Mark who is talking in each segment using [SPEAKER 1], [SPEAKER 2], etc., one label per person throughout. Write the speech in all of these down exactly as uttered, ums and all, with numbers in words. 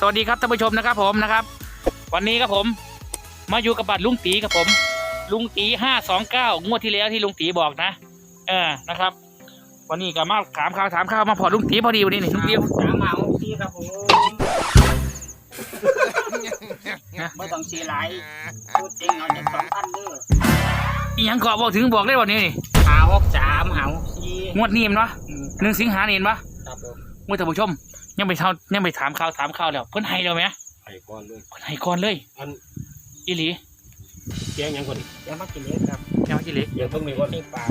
[SPEAKER 1] สวัสดีครับท่านผู้ชมนะครับผมนะครับวันนี้ครับผมมาอยู่กับบัตรลุงตีครับผมลุงตีห้าสองเก้างวดที่แล้วที่ลุงตีบอกนะเออนะครับวันนี้ก็มาถามข่าวถามข่าวมาพอลุงตีพอดีวันนี้นี่ลุงตี
[SPEAKER 2] ถามมาทีครับผมไม่ต้องสีไหลพูดจริงเอาจะสองพันเด้อ
[SPEAKER 1] อีหยังเกาะบอกถึงบอกได้วันนี้นี่
[SPEAKER 2] หาหกสามหาหกสี่
[SPEAKER 1] งวดนี้มั้ยเนาะหนึ่งสิงหาเห็นปะ
[SPEAKER 2] ครับผม
[SPEAKER 1] งวดท่านผู้ชมยังไปเท่ายังไปถามข่าวถามข่าวแล้วเพิ่นให้เราไหม
[SPEAKER 3] ไอ้ก้อนเลย
[SPEAKER 1] เพิ่นให้ก่อนเลย
[SPEAKER 3] อัน
[SPEAKER 1] อีหลี
[SPEAKER 3] แกงยังคน
[SPEAKER 2] เดี๋ยวมากินเล็กครับ
[SPEAKER 1] แก้วอีหลี
[SPEAKER 3] ยังเพิ่งมีว่า
[SPEAKER 2] ที่ปลา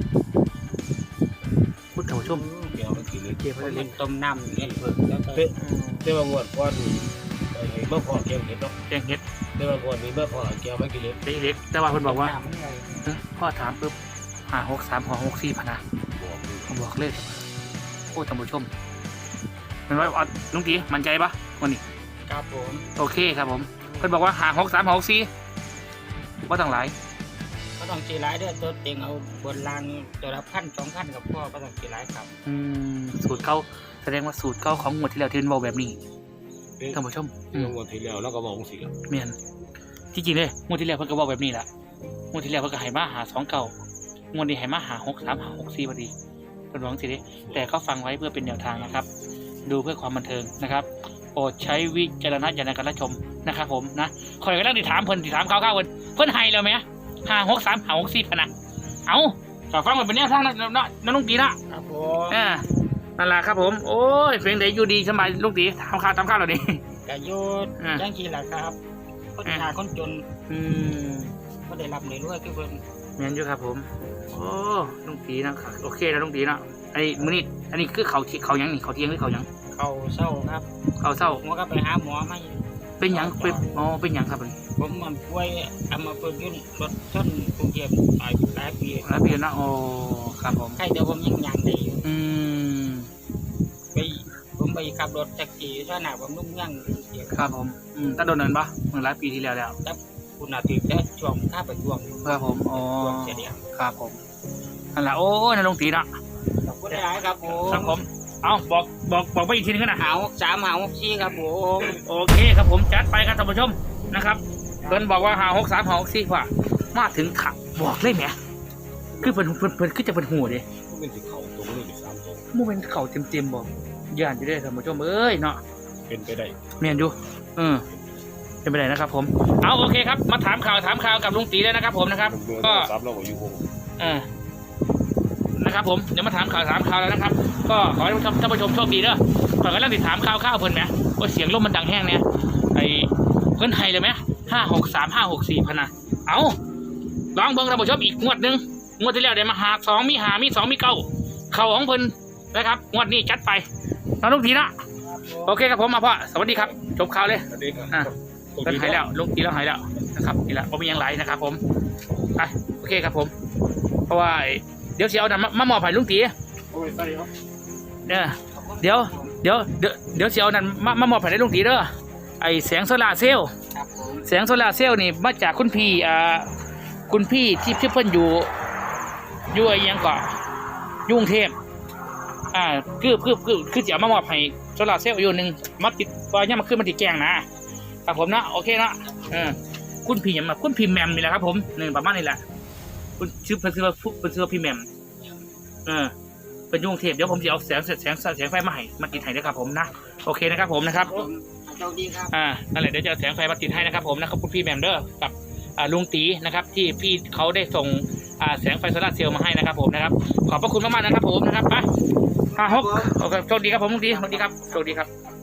[SPEAKER 1] พูดท่านผู้ชม
[SPEAKER 3] แกงมันกินเลย
[SPEAKER 1] เก็บ
[SPEAKER 2] ค
[SPEAKER 1] ไว้
[SPEAKER 2] น
[SPEAKER 1] เล
[SPEAKER 2] มั
[SPEAKER 1] ย
[SPEAKER 2] นต้มน้ำเนี่ยเพิ่มแล้วก็
[SPEAKER 3] เจ้าบางวันก้อนไอ้เมื่อพอแกงเห็ดเนาะ
[SPEAKER 1] แกงเห็ด
[SPEAKER 3] เจ้าบางวันมีเมื่อพอแกงไม่กินเลย
[SPEAKER 1] ได้อีหลีแต่ว่าเพิ่นบอกว่า
[SPEAKER 2] น้ำมันเลย
[SPEAKER 1] เอ้อพ่อถามปุ๊บหาหกสามหอหกสี่พะนะ
[SPEAKER 3] บอกเลย
[SPEAKER 1] ผมบอกเลยโอ้ท่านผู้ชมเป็นว่าเอาลุงตีมั่นใจปะวันนี้
[SPEAKER 2] ครับผม
[SPEAKER 1] โอเคครับผมเพิ่นบอกว่าหาหกสามหกสี่ว่าต่างหลาย
[SPEAKER 2] ก็ต้องสีไหลเด้อตัวเต็งเอาบนรางตัวละพันสองพันกับพ่อก็ต้องสีไหลครับ
[SPEAKER 1] อืมสูตรเก่าแสดงว่าสูตรเก่าของงวดที่แล้วที่เพิ่นบอกแบบนี้ท่านผู้ชมอื
[SPEAKER 3] เมื่
[SPEAKER 1] ม
[SPEAKER 3] อวันที่แล้วแล้วก็บอกสิครับ
[SPEAKER 1] เมียนที่จริงเลยงวดที่แล้วเพิ่นก็บอกแบบนี้แหละงวดที่แล้วเพิ่นก็ให้มาหาสองเก่างวดนี้ให้มาหาหกสามหาหกสี่พอดีเพิ่นบอกสิเด้แต่เขาฟังไว้เพื่อเป็นแนวทางนะครับ ดูเพื่อความบันเทิงนะครับโปรดใช้วิจารณญาณในการรับชมนะครับผมนะคอยกำลังติดถามเพิ่นติดถามข่าวๆเพิ่นเพิ่นให้แล้วไหมห้าหกสามหาหกสี่พะนะเอาฝากฟังมันเป็นแนวทางนะนะนะลุงตีนะครับ
[SPEAKER 2] ผม
[SPEAKER 1] อ่านั่นแหละครับผมโอ้ยเพลงไหนอยู่ดีสบายลุงตีทำข่าวทำข่าวเหล่านี้
[SPEAKER 2] กระโยด
[SPEAKER 1] อ่า
[SPEAKER 2] จังสีแหละครับคนหาคนจน
[SPEAKER 1] อืม
[SPEAKER 2] ก็ได้รับในด้วยคือเพิ่น
[SPEAKER 1] เมียนอยู่ครับผมโอ้ลุงตีนะครับโอเคนะลุงตีนะไอ้มื้อนี้อันนี้คือเขาที่เขายังนี่เขาเที่ยงหรือเขายัง
[SPEAKER 2] เขาเศร้าครับ
[SPEAKER 1] เขาเศร้า
[SPEAKER 2] ผมก็ไปหาหมอมา
[SPEAKER 1] เป็นหยังเป็นอ๋อเป็นหยังครับมัน
[SPEAKER 2] ผมมันป่วยเอามาเปิดยุ่นรถชนกรุงเทพตายหลายปี
[SPEAKER 1] แล้วเปลี่ยนนะโอ้ครับผม
[SPEAKER 2] ใครเดี๋ยวผมยังยังได้อยู่
[SPEAKER 1] อืม
[SPEAKER 2] ไปผมไปขับรถแท็กซี่สนามผมนุ่งยังเสีย
[SPEAKER 1] ครับผมอืมตั้งโดนเนินปะเมื่อหลายปีที่แล้วแล้ว
[SPEAKER 2] คุณอาทิตย์และช่วงข้าไปช่วง
[SPEAKER 1] ครับผมอ๋อ
[SPEAKER 2] ช่วงเสียเดียว
[SPEAKER 1] ครับผมนั่นแหละโอ้ยนะลุงตีนะ
[SPEAKER 2] ขอบคุณหลายครับผม
[SPEAKER 1] ครับผมเอาบอกบอกบอกไปอีกทีนึงกันนะ
[SPEAKER 2] หาหกสามหาหกสี่ครับผม
[SPEAKER 1] โอเคครับผมจัดไปครับท่านผู้ชมนะครับเพิ่นบอกว่าหาหกสามหาหกสี่ว่ามาถึงขับบอกเลยแหมคือเพิ่นเพิ่นเพิ่นคือจะเป็นหูดิ
[SPEAKER 3] ก็เป็นสีเขาตรงนี้สามตรง
[SPEAKER 1] มูเป็นเข่าเต็มเต็มๆบอกย่านจะได้ท่านผู้ชมเอ้ยเนาะ
[SPEAKER 3] เป็นไปได้
[SPEAKER 1] เมียนอยู่เออเป็นไปได้นะครับผมเอาโอเคครับมาถามข่าวถามข่าวกับลุงตีเลยนะครับผมนะครับ ก็
[SPEAKER 3] ซับเราก็อยู่วง
[SPEAKER 1] เออนะครับผมเดี๋ยวมาถามข่าวถามข่าวแล้วนะครับ ก็ขอให้ท่านผู้ชมโชคดีเด้อขอให้เราติดถามข่าวข้าวเพิ่นไหมว่าเสียงลมมันดังแห้งเนี่ยไอ้เพิ่นไทยเลยไหมห้าหกสามห้าหกสี่พะนะเอาลองเบิ่งท่านผู้ชมอีกงวดหนึ่งงวดที่แล้วได้มาหาสองมีหามีสองมีเก้าเข่าของเพิ่นนะครับงวดนี้จัดไปน้องลุงตีนะโอเคครับผมมาพ่อสวัสดีครับจบข่าวเลย
[SPEAKER 3] อันนี้ครับ
[SPEAKER 1] อ่ะ เพิ่นหายแล้วลุงตีแล้วหายแล้วนะครับนี่แหละผมมียังไหลนะครับผมไปโอเคครับผม เพราะว่าเดี๋ยวเสียเอาดันมามอบให้ลุงตี
[SPEAKER 3] โอ้ยใส่ครับ
[SPEAKER 1] เนี่ยเดี๋ยวเดี๋ยวเดี๋ยวเดี๋ยวเสียเอาดันมามามอบให้ลุงตีเด้อไอแสงโซลาร์เซลล์
[SPEAKER 2] ครับผม
[SPEAKER 1] แสงโซลาร์เซลล์นี่มาจากคุณพี่อ่าคุณพี่ที่ที่เพิ่นอยู่อยู่ไอ้ยังเกาะยุ่กรุงเทพอ่าคือคือคือคือจะเอามามอบให้โซลาร์เซลล์อยู่หนึ่งมาติดว่าเนี่ยมาขึ้นมาติดแกงนะครับผมนะโอเคนะเออคุณพี่ยังมาคุณพี่แมมนี่แหละครับผมนี่ประมาณนี้แหละคุณชื่อเพิ่นชื่อว่าเพิ่นชื่อว่าพี่แมมเออเป็นยุ่กรุงเทพเดี๋ยวผมจะเอาแสงแสงแสงแสงไฟมาให้มาติดให้นะครับผมนะโอเคนะครับผมนะครับ
[SPEAKER 2] ผมโชคดีครับ
[SPEAKER 1] อ่านั่นแหละเดี๋ยวจะเอาแสงไฟมาติดให้นะครับผมนะครับคุณพี่แมมเดอร์กับอ่าลุงตีนะครับที่พี่เขาได้ส่งอ่าแสงไฟโซลาร์เซลล์มาให้นะครับผมนะครับขอบพระคุณมากๆนะครับผมนะครับไปห้าหกโอเคโชคดีครับผมลุงตีสวัสดีครับโชคดีครับ